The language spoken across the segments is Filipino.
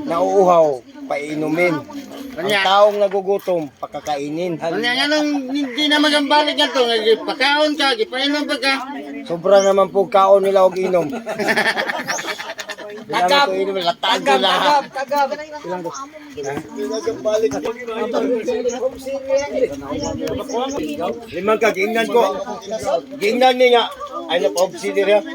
nauuhaw, painumin. Ang taong nagugutom, pakakainin. Kanya nang hindi na magambalik nga to, pakaon ka, gipainom pa ka. Sobra naman po kaon nila og inom. Tagap! Tagap! Tagap! Limang ka, giingnan ko. Giingnan niya. Ay, napahubsidir ya.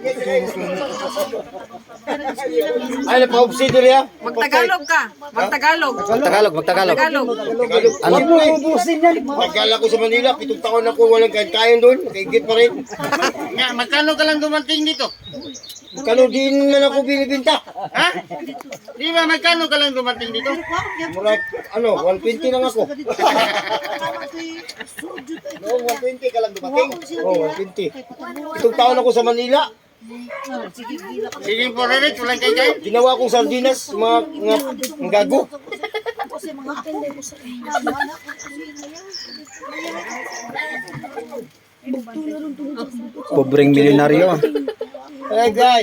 Ay, napahubsidir ya. Magtagalog ka. Magtagalog. Magtagalog. Ano po ubusin yan? Nagkala ko sa Manila, 7 taon ako walang kain doon. Nakaigit pa rin. Nga, magkano ka lang dumating dito? Magkano din na ako binibinta? Ha? Di ba, magkano ka lang dumating dito? Murag, 120 lang ako. Noong 120 ka lang dumating? Oo, 120. 7 taon ako sa Manila. Sige po, Ririt, walang kay Ginawa kong sardinas, mga gago. Pobreng milyonaryo. Hey guys.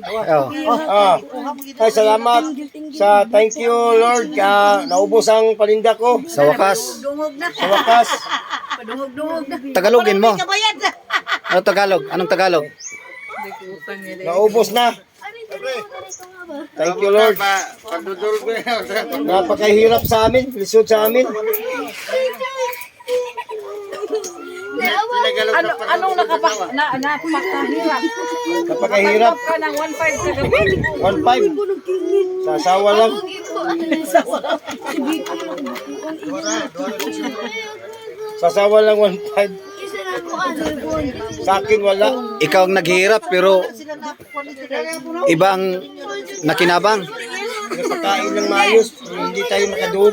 Ay, salamat. Thank you Lord. Naubos ang paninda ko. Sa wakas. Sa wakas. Padungog-dungog na. Tagalogin mo. Ano Tagalog? Anong Tagalog? Naubos na. Thank you Lord. Padudol ko yan. Napakahirap sa amin. Lisod sa amin. Anong napakahirap? Napakahirap. Ka ng 1.5 kagabi. 1.5. Sa asawa lang. Sa asawa lang 1.5. Sa akin wala. Ikaw ang naghihirap pero iba ang nakinabang. Napakain ng maayos. Hindi tayo makadood.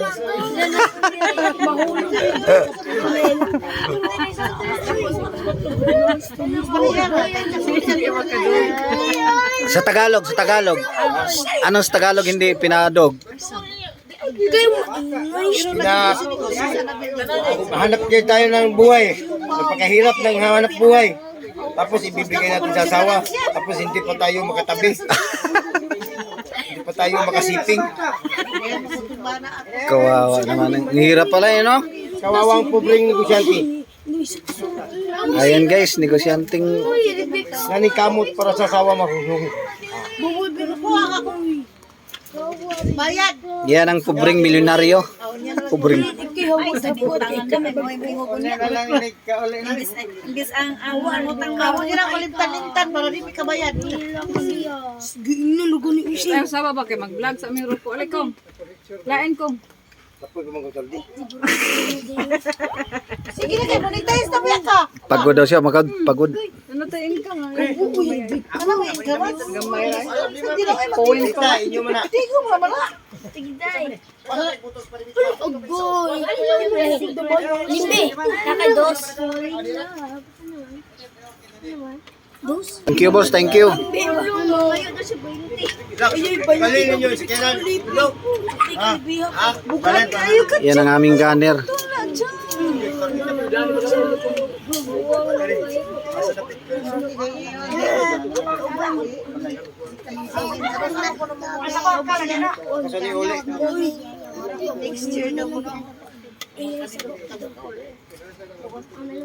Sa Tagalog. Ano sa Tagalog hindi pinadog? Hanap kayo tayo ng buhay. Napakahirap ng hanap buhay. Tapos ibibigay natin sa asawa. Tapos hindi pa tayo makatabi. Hindi pa tayo makasiping. Kawawa naman. Ang hirap pala eh, no? Kawawang pobreng negosyante. Ayan guys, negosyanteng Nanikamot para sa asawa mahuhung. Bayad. yan ang pobreng milyonaryo. Pobreng. Imbis ang awan mo tang awan nila kulimtan-lintan para di ka bayad. Ay, sa baba kay mag-vlog sa aming grupo. Alaikum. Lain ko. Sige na kay monetize na ba ka? Pagod daw siya, pagod. Ano tayo income? Ano yung income? Gamay ra. Point ka, inyo mo na. Tigo mo naman na. Ugoy. Limbe. Kakados. Dos. Thank you boss, thank you. Balin ninyo, si Kenan. Bukan kayo ka. Yan ang aming gunner. Next year na mo.